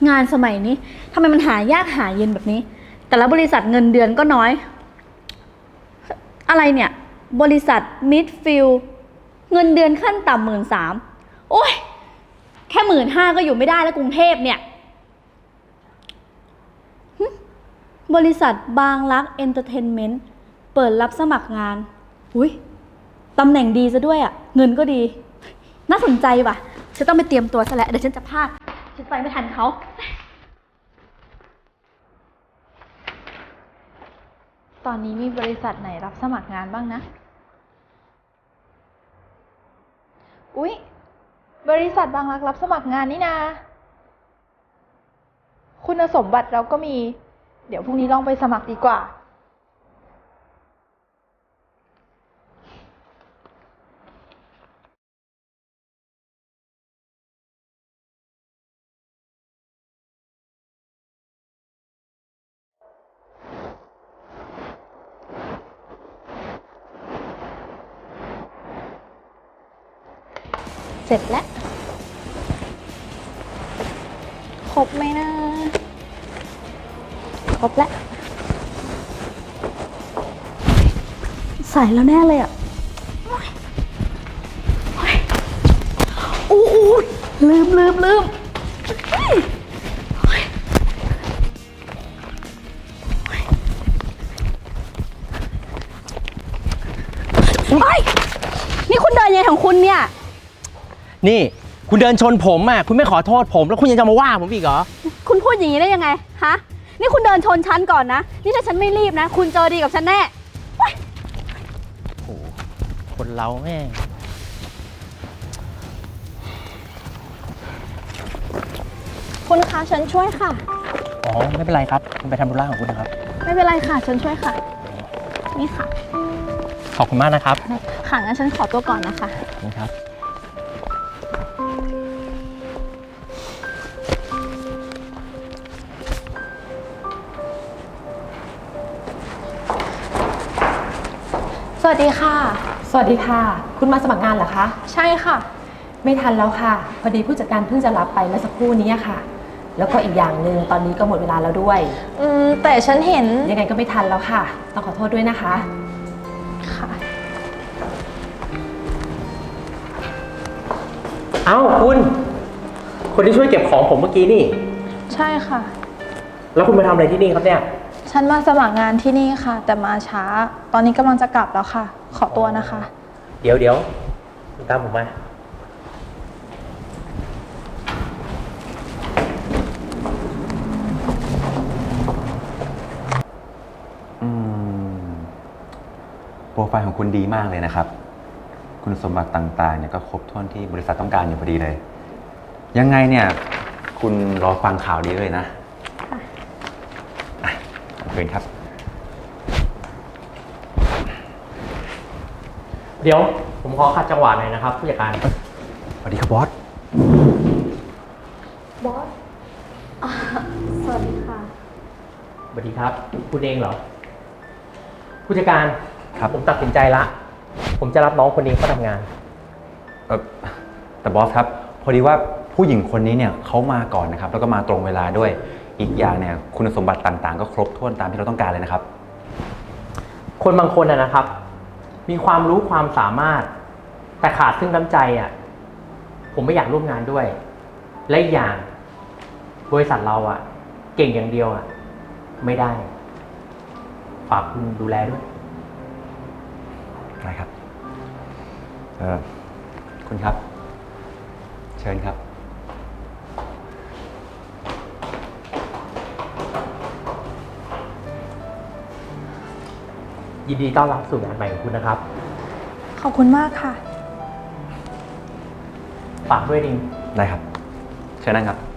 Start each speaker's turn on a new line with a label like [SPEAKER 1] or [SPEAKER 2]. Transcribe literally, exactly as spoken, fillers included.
[SPEAKER 1] งานสมัยนี้ทำไมมันหายากหาเย็นแบบนี้ แต่ละบริษัทเงินเดือนก็น้อยอะไรเนี่ยบริษัทมิดฟิลเงินเดือนขั้นต่ำหมื่นสามโอ้ยแค่หมื่นห้าก็อยู่ไม่ได้แล้วกรุงเทพเนี่ยบริษัทบางรักเอนเตอร์เทนเมนต์เปิดรับสมัครงานอุ้ยตำแหน่งดีซะด้วยอ่ะเงินก็ดีน่าสนใจว่ะฉันต้องไปเตรียมตัวซะแล้วเดี๋ยวฉันจะพลาดฉันไปไม่ทันเขา
[SPEAKER 2] ตอนนี้มีบริษัทไหนรับสมัครงานบ้างนะอุ๊ยบริษัทบางรักรับสมัครงานนี่นาคุณสมบัติเราก็มีเดี๋ยวพรุ่งนี้ลองไปสมัครดีกว่าเสร็จแล้วครบไหมนะครบแล้ว
[SPEAKER 1] ใส่แล้วแน่เลยอ่ะอู้อู้ลืมลืมลืมเฮ้ยนี่คุณเดินยังไงของคุณเนี่ย
[SPEAKER 3] นี่คุณเดินชนผมอ่ะคุณไม่ขอโทษผมแล้วคุณยังจะมาว่าผมอีกเหรอ
[SPEAKER 1] คุณพูดอย่างนี้ได้ยังไงฮะนี่คุณเดินชนฉันก่อนนะนี่ถ้าฉันไม่รีบนะคุณเจอดีกับฉันแน่
[SPEAKER 3] โอ้คนเราแม่ง
[SPEAKER 1] คุณคะฉันช่วยค่ะ
[SPEAKER 3] อ๋อไม่เป็นไรครับคุณไปทำธุระของคุณนะครับ
[SPEAKER 1] ไม่เป็นไรค่ะฉันช่วยค่ะนี่ค่ะ
[SPEAKER 3] ขอบคุณมากนะครับ
[SPEAKER 1] ค่ะงั้นฉันขอตัวก่อนนะคะ
[SPEAKER 3] ขอบคุณครับ
[SPEAKER 4] สวัสดีค่ะสวัสดีค่ะคุณมาสมัครงานเหรอคะ
[SPEAKER 2] ใช่ค่ะ
[SPEAKER 4] ไม่ทันแล้วค่ะพอดีผู้จัดการเพิ่งจะรับไปเมื่อสักครู่นี้ค่ะแล้วก็อีกอย่างหนึ่งตอนนี้ก็หมดเวลาแล้วด้วย
[SPEAKER 2] อืมแต่ฉันเห็น
[SPEAKER 4] ยังไงก็ไม่ทันแล้วค่ะต้องขอโทษด้วยนะคะ
[SPEAKER 2] ค่ะ
[SPEAKER 3] เอ้าคุณคนที่ช่วยเก็บของผมเมื่อกี้นี่
[SPEAKER 2] ใช่ค่ะ
[SPEAKER 3] แล้วคุณมาทำอะไรที่นี่ครับเนี่ย
[SPEAKER 2] ฉันมาสมัครงานที่นี่ค่ะแต่มาช้าตอนนี้กำลังจะกลับแล้วค่ะขอตัวนะคะ
[SPEAKER 3] เดี๋ยวเดี๋ยวตามผมมา
[SPEAKER 5] อืมโปรไฟล์ของคุณดีมากเลยนะครับคุณสมบัติต่างๆเนี่ยก็ครบถ้วนที่บริษัทต้องการอยู่พอดีเลยยังไงเนี่ยคุณรอฟังข่าวดีเลยนะค่ะขอบคุณครับ
[SPEAKER 3] เดี๋ยวผมขอขัดจังหวะหน่อยนะครับผู้จัดการ
[SPEAKER 5] สวัสดีครับบอส
[SPEAKER 1] บอสสวัสดีค่ะ
[SPEAKER 3] สวัสดีครับคุณเองเหรอผู้จัดการ
[SPEAKER 5] ครับ
[SPEAKER 3] ผมตัดสินใจละผมจะรับน้องคนนี้เข้าทำงาน
[SPEAKER 5] เออแต่บอสครับพอดีว่าผู้หญิงคนนี้เนี่ยเขามาก่อนนะครับแล้วก็มาตรงเวลาด้วยอีกอย่างเนี่ยคุณสมบัติต่างๆก็ครบถ้วนตามที่เราต้องการเลยนะครับ
[SPEAKER 3] คนบางคนนะครับมีความรู้ความสามารถแต่ขาดซึ่งน้ำใจอ่ะผมไม่อยากร่วมงานด้วยและอีกอย่างบริษัทเราอ่ะเก่งอย่างเดียวอ่ะไม่ได้ฝากคุณดูแลด้วย
[SPEAKER 5] ได้ครับเออคุณครับเชิญครับ
[SPEAKER 3] ยินดีต้อนรับสู่งานใหม่ของคุณนะครับ
[SPEAKER 2] ขอบคุณมากค่ะ
[SPEAKER 3] ฝากด้วยดิง
[SPEAKER 5] ได้ครับเชิญนั่งครับ